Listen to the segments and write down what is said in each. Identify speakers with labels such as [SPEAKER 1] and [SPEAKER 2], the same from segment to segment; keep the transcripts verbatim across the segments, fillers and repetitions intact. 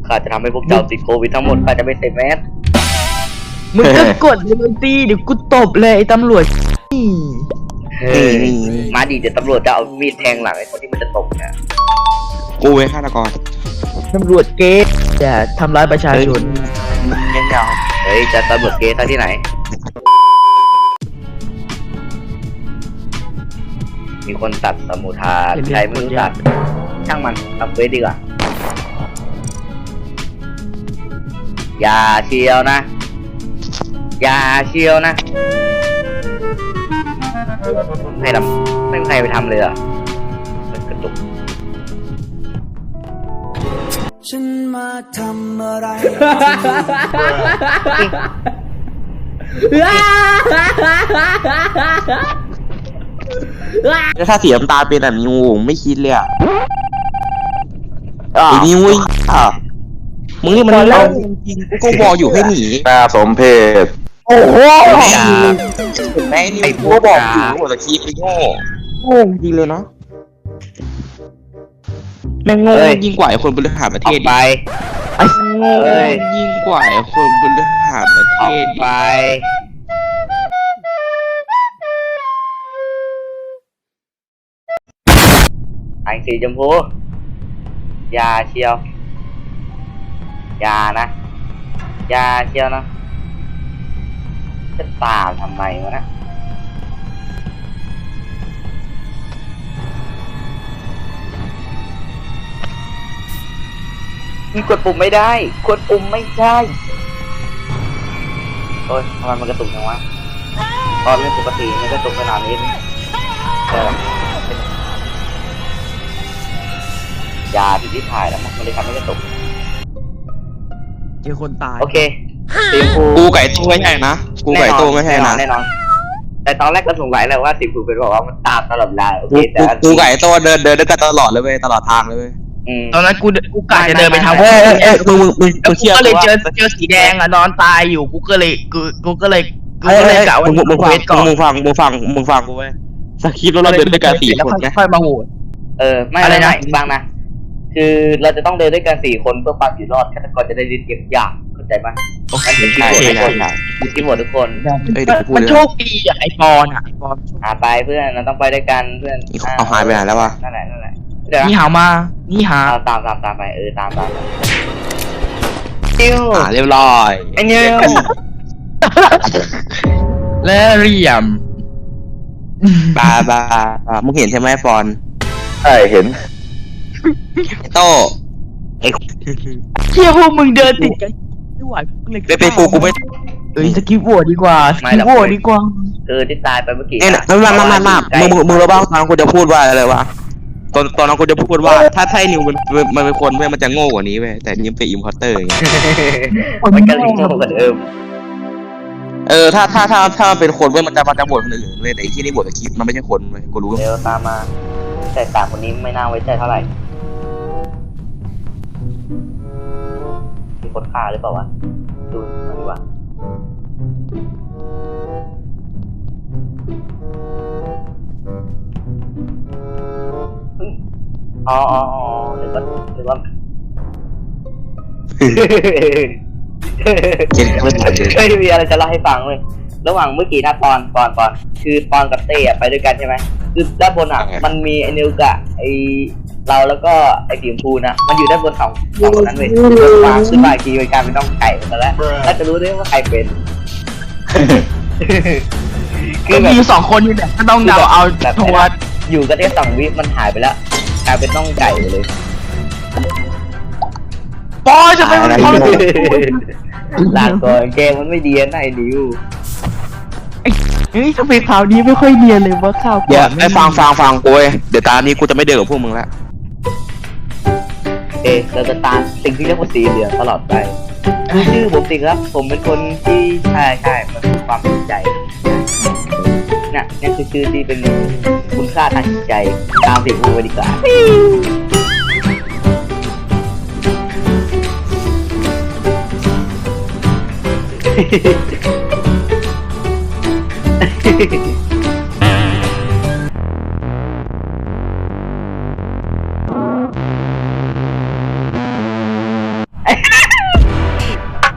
[SPEAKER 1] ข้าจะทำให้พวกเจ้าติดโควิดทั้งหมดข้าจะไม่ใส่แมส
[SPEAKER 2] มึงก็กดเลยมึงตีเดี๋ยวกูตบเลยไอ้ตำรวจนี่
[SPEAKER 1] เฮ้ยมาดีเดี๋ยวตำรวจจะเอามีดแทงหลังไอ้คนที่มันจะตกเนี่ย
[SPEAKER 3] กูไว้ฆาตกร
[SPEAKER 2] ตำรวจเก๊อย่าทำร้ายประชาชน
[SPEAKER 3] ยังยาว
[SPEAKER 1] เฮ้ยจะตำรวจเกย์ท่าที่ไหนมีคนตัดสมุทาใครไม่รู้ตัดช่างมันทำเฟซดีกว่าอย่าเชียวนะอย่าเชียวนะให้ทำไม่มีใครไปทำเลยอ่ะกระตุก
[SPEAKER 4] ฉันมาทำอะไร
[SPEAKER 3] แล้วถ้าสีน้ำตาลเป็นแบบนี้งูไม่คิดเลยอ่ะไอ้นี่วุ้ยอ่ะมึงนี่มันเล่าจริงกูก็บอกอยู่ให้หนี
[SPEAKER 5] น่าสมเพช
[SPEAKER 3] โอ้โหแม่นี่กูก็บอกอยู่หัวตะคีไปโง่โง่จริงเลยเนาะแม่งโง่ยิ่งกว่าคนบริหารประเท
[SPEAKER 1] ออ
[SPEAKER 3] ศ
[SPEAKER 1] กไป
[SPEAKER 3] ไอ้โง่ยิ่งกว่าคนบริหารประเท
[SPEAKER 1] ออ
[SPEAKER 3] ศ
[SPEAKER 1] กไปไอ้สีชมพูอยาเชียวอยานะอยาเชียวนะจะตามทำไมวะนะมีกดปุ่มไม่ได้กดปุ่มไม่ได้โอ้ยทำไมมันกระตุกจังวะตอนเล่นปกติมันกระตุกขนาดนี้เออยาที่ที่ถ่ายแล้วมันเลยทำให้กระตุก
[SPEAKER 2] เจอคนตาย
[SPEAKER 1] โอเคสีชมพู
[SPEAKER 3] กูไก่ตัวไม่ใช่นะกูไก่ตัวไม่ใช่นะ
[SPEAKER 1] แน่นอนแต่ตอนแรกก็สงสัยแหละว่าสีชมพูเป็นบอกว่ามันตามตลอดเวลาโอเค
[SPEAKER 3] กู
[SPEAKER 1] แต่
[SPEAKER 3] กูไก่ตัวเดินเดินด้วยกันตลอดเลยเว้ยตลอดทางเลยเว้ย
[SPEAKER 1] อืม
[SPEAKER 2] ตอนนั้นกูกูกะจะเดินไปทาง
[SPEAKER 3] เอ้ยเอ้ยเอ้ยมึงมึงมึง
[SPEAKER 2] แล้ว
[SPEAKER 3] มึง
[SPEAKER 2] กู
[SPEAKER 3] เชื่อ
[SPEAKER 2] ก็เลย
[SPEAKER 3] ว่า
[SPEAKER 2] เจอเจอสีแดงอ่ะนอนตายอยู่กูก็เลยกูกูก็เลยกู
[SPEAKER 3] เอ้ย
[SPEAKER 2] ก็เล
[SPEAKER 3] เอ้
[SPEAKER 2] ย
[SPEAKER 3] ย
[SPEAKER 2] กะว่า
[SPEAKER 3] มึงมึงฟัง
[SPEAKER 2] เวทก่อน
[SPEAKER 3] มึงฟังมึงฟังมึงฟังกูเว้ยสคริปต์แล้วเราเดินด้วยกันสี่
[SPEAKER 2] แล้ว
[SPEAKER 3] คนไง
[SPEAKER 2] ค่อยมาโหวต
[SPEAKER 1] เออไม่
[SPEAKER 2] อะไร
[SPEAKER 1] ไม่
[SPEAKER 2] นะ
[SPEAKER 1] ไม่ฟังนะคือเราจะต้องเดินด้วยกันสี่คนเพื่อความอยู่รอดฆาตกรจะได้รีบเก็บยากเข้าใจไหมนั่นคือที่
[SPEAKER 3] ใช่
[SPEAKER 1] โหวต
[SPEAKER 3] ใช่
[SPEAKER 1] ทุกคน
[SPEAKER 3] ใช่
[SPEAKER 1] คือที่โหวตทุกคน
[SPEAKER 3] เอ้ยเดี๋ยวกูพูด
[SPEAKER 2] มัน
[SPEAKER 3] เลย
[SPEAKER 2] โชคดีอ่ะไอปอนอ่ะไอปอน
[SPEAKER 1] หาไปเพื่อนเราต้องไปด้วยกันเพื่อน
[SPEAKER 3] เอาหายไปไหนแล้ววะ
[SPEAKER 1] นั่นแหละนั่นแหละเดี๋ยว
[SPEAKER 2] นี่
[SPEAKER 1] นะ
[SPEAKER 2] หามานี่หา
[SPEAKER 1] เอาตามตามตามไปเออตามตามนิว
[SPEAKER 3] อ่าเรียบร้อย
[SPEAKER 1] ไอ้นิว
[SPEAKER 2] และเหลี่ยม
[SPEAKER 3] บาบาบามึงเห็นใช่ไหมฟอน
[SPEAKER 5] ใช่เห็น
[SPEAKER 3] ไอ้โต้ไอ้
[SPEAKER 2] เชี่ยพวกมึงเดินติดกันไม่ไหวพวกเลย
[SPEAKER 3] เป็นกูกูไม่
[SPEAKER 2] เอ้ยสกิปโหวตดีกว่าสกิปโหวตดีกว่า
[SPEAKER 1] เออที่ตายไปเมื่อกี้
[SPEAKER 3] เนี่ยไม่ไม่ไม่ไม่ไม่มึงมึงมึงรู้บ้างตอนนั้นกูจะพูดว่าอะไรวะตอนตอนนั้นกูจะพูดว่าถ้าไทนิวมันมันเป็นคนเว้ยมันจะโง่กว่านี้เว้ยแต่นี่เป็นอิมพอร์เตอร์อย่างเงี้ย
[SPEAKER 1] มันก็ลิงโง่กว่าเดิม
[SPEAKER 3] เออถ้าถ้าถ้าถ้ามันเป็นคนเว้ยมันจะมันจะบ่นคนอื่นเว้ยแต่ที่นี่บ่นกับคลิปมันไม่ใช่คนเว้ยกูรู้
[SPEAKER 1] เดี๋ยวตามมาแต่สามคนนี้ไม่น่าไว้ใจเท่าไหร่มีคนฆ่าหรือเปล่าวะดูหน่อยดีกว่าอ๋ออ๋ออ๋อหรือว่าหรือว่า
[SPEAKER 3] เจ็ดไม่ทันเลย
[SPEAKER 1] เคยมีอะไรจะเล่าให้ฟังเลยระหว่างเมื่อกี้นะปอนปอนปอนคือปอนกับเต้อะไปด้วยกันใช่ไหมคือด้านบนอ่ะมันมีไอ้นิวกะไอ้เราแล้วก็ไอ้สีชมพูนะมันอยู่ด้านบนสองสองคนนั้นเลยวางขึ้นมาอีกทีเป็นการเป็นน้องไก่หมดแล้วแล้วจะรู้ได้ว่าใครเป็น คื
[SPEAKER 2] ก็
[SPEAKER 1] อแบบ
[SPEAKER 2] มีสองคนอยู่เนี่ยก็ต้องเดาเอา
[SPEAKER 1] แบบ
[SPEAKER 2] โทวัด
[SPEAKER 1] อยู่กันแค่สองวิมันหายไปแล้วกลายเป็นน้องไก่ไปเลย
[SPEAKER 2] ปอจะไปมันเขา
[SPEAKER 1] ลาก่อนเกมมันไม่ดีนะไอ้นิว
[SPEAKER 2] เฮ้ยทำไมข่าวนี้ไม่ค่อยเนียนเลยว่าข่าว
[SPEAKER 3] เดี๋ยวไอ้ฟังฟังฟังกูเว้ยเดี๋ยวตานี้กูจะไม่เดินกับพวกมึงแล้ว
[SPEAKER 1] เอะเราจะตามสิ่งที่เรียกว่าสีเหลืองตลอดไปคือชื่อผมสิครับ ผมเป็นคนที่ใช่ใช่มันคือความสนใจน่ะนี่คือชื่อที่เป็นคุณค่าทางจิตใจตามสีชมพูไปดีกว่า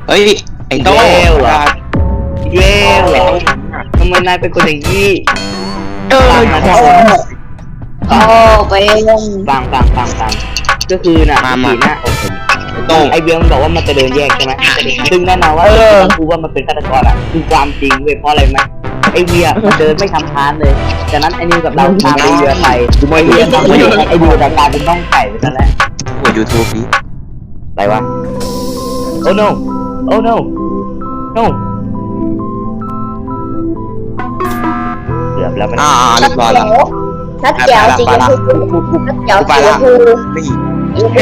[SPEAKER 3] เฮ้ยไอ้โต้
[SPEAKER 1] เวลเหรอ เย้เหรอทำไมนายเป็นคนอย่างนี้
[SPEAKER 2] เออ
[SPEAKER 1] ฟังนะ
[SPEAKER 2] ข
[SPEAKER 1] ทุ
[SPEAKER 2] อก
[SPEAKER 1] คน
[SPEAKER 6] โอ้ไปลง
[SPEAKER 1] ฟังฟังฟังฟังก็คือน่ะ
[SPEAKER 3] มา
[SPEAKER 1] สี
[SPEAKER 3] มา
[SPEAKER 1] นะ
[SPEAKER 3] โต้
[SPEAKER 1] ไอเบียมันบอกว่ามันจะเดินแยกใช่ไหมซึ่งแน่นอนว่าต้องพูดว่ามันเป็นฆาตกรอ่ะคือความจริงเว้ยเพราะอะไรไหมไอเวียมันเดินไม่ทำพานเลยจากนั้นไอนิวกับเราตามไอเวียไปไอเวียต้องไปไอเวียจะกลายเป็นน้องไก่ไปซะแล้ว
[SPEAKER 3] กดยูทูบดิ
[SPEAKER 1] อะไรวะ โอ้ no โอ้ no no เกือบแล้วมัน
[SPEAKER 3] อ่าเรียบร้อยแล้ว
[SPEAKER 6] นัดแก้วสีชมพูนัดแก้วสีชมพู
[SPEAKER 3] นี่
[SPEAKER 6] ชมพู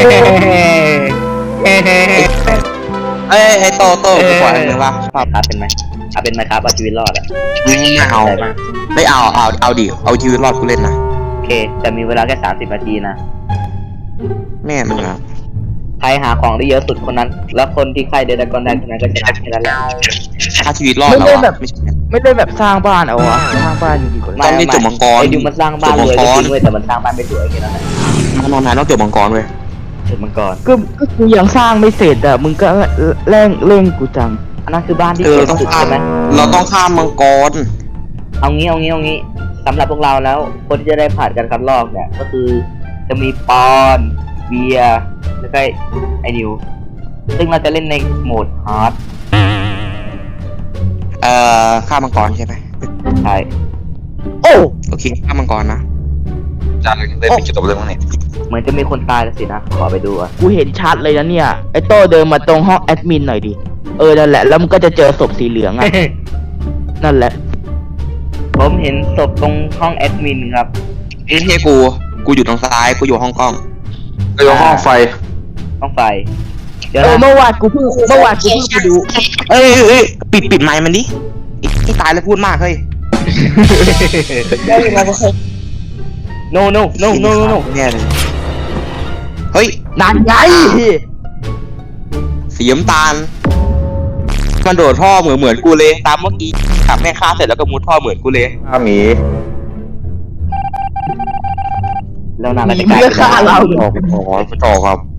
[SPEAKER 3] เอ้ยไอ้โตโต้กูขออะไรวะ
[SPEAKER 1] ครับเป็นไหมเอาเป็นไหมครับเอาชีวิตรอดอ่ะ
[SPEAKER 3] ไม่เอา
[SPEAKER 1] ได้ไหม
[SPEAKER 3] ไม่เอาเอาเอาดิเอาชีวิตรอดกูเล่นนะ
[SPEAKER 1] โอเค แต่มีเวลาแค่สามสิบนาทีนะ
[SPEAKER 3] แม่มึงอ่ะ
[SPEAKER 1] ใครหาของได้เยอะสุดคนนั้น แล้วคนที่ใครเดินตะกอนได้คนนั้นก็ชนะแค่นั้นแหละ
[SPEAKER 3] ถ้าชีวิตรอดแล้วอะไม่ใช่
[SPEAKER 2] ไม่ได้แบบสร้างบ้านเอาวะสร้างบ้านดีกว่า
[SPEAKER 3] ต้องนี่จบมังกร
[SPEAKER 1] ไอ้ดิวมันสร้างบ้านรวย
[SPEAKER 3] จบมังกร
[SPEAKER 1] ก็จริงเว้ยแต่มันสร้างบ้านไม่สวยแค่นั้นแหละ
[SPEAKER 3] นอนนายต้องจบมังกรเว้ย
[SPEAKER 1] ถึงมังกร
[SPEAKER 2] ก็ก็กูยังสร้างไม่เสร็จอ่ะมึงก็เร่งเร่งกูจัง
[SPEAKER 1] อันนั้นคือบ้านที่
[SPEAKER 3] เออ
[SPEAKER 1] เก่ง
[SPEAKER 3] ต้อง
[SPEAKER 1] สุด
[SPEAKER 3] ข้าม
[SPEAKER 1] ใช่ไหม
[SPEAKER 3] เราต้องข้ามมังกร
[SPEAKER 1] เอางี้เอางี้เอางี้สำหรับพวกเราแล้ว คนที่จะได้ผ่านการคัดลอกเนี่ยก็คือจะมีปอนเบียร์แล้วก็ไอ้นิวซึ่งเราจะเล่นในโหมดฮาร์ด
[SPEAKER 3] เอ่อข้ามมังกรใช่ไหม
[SPEAKER 1] ใช่
[SPEAKER 2] โอ้
[SPEAKER 3] โอเคข้ามมังกรนะ
[SPEAKER 5] จานเล่นไม่จบเรื่องนี้
[SPEAKER 1] เหมือนจะมีคนตายแล้วสินะขอไปดูอ่ะ
[SPEAKER 2] กูเห็นชัดเลยนะเนี่ยไอ้โต้เดินมาตรงห้องแอดมินหน่อยดิเออนั่นแหละแล้วมันก็จะเจอศพสีเหลืองอ่ะ นั่นแหละ
[SPEAKER 1] ผมเห็นศพตรงห้องแอดมินครับ
[SPEAKER 3] นี่เทกูกูอยู่ตรงซ้ายกูอยู่ห้องกล้อง
[SPEAKER 5] ก็ยกห้องไฟ
[SPEAKER 1] ห้องไฟเดี๋ยว
[SPEAKER 2] เออ
[SPEAKER 1] นะ
[SPEAKER 2] เมื่อวานกูเพิ่งเมื่อวานกูเพิ่งไปดู
[SPEAKER 3] เอ้ยเอ้ยเอ้ยปิดปิดไมค์มันดิไอ้ที่ตายแล้วพูดมากเฮ้ย
[SPEAKER 1] โนโนโนโนโน
[SPEAKER 3] เนี่ยเลยเฮ้ย
[SPEAKER 2] นั่นไง
[SPEAKER 3] สีน้ำตาลมันโดดท่อเหมือนเหมือนกูเลย ตามเมื่อกี้ขับแม่ค้าเสร็จแล้วก็มุดท่อเหมือนกูเลย
[SPEAKER 5] ข้าหมี
[SPEAKER 1] แล้วนาง
[SPEAKER 2] ห
[SPEAKER 1] ก็
[SPEAKER 2] นี
[SPEAKER 1] จะกลาย
[SPEAKER 2] เพื่อ
[SPEAKER 1] เป็น
[SPEAKER 2] ฆ่าเรา
[SPEAKER 5] ออกไปต่อไปต่อครับ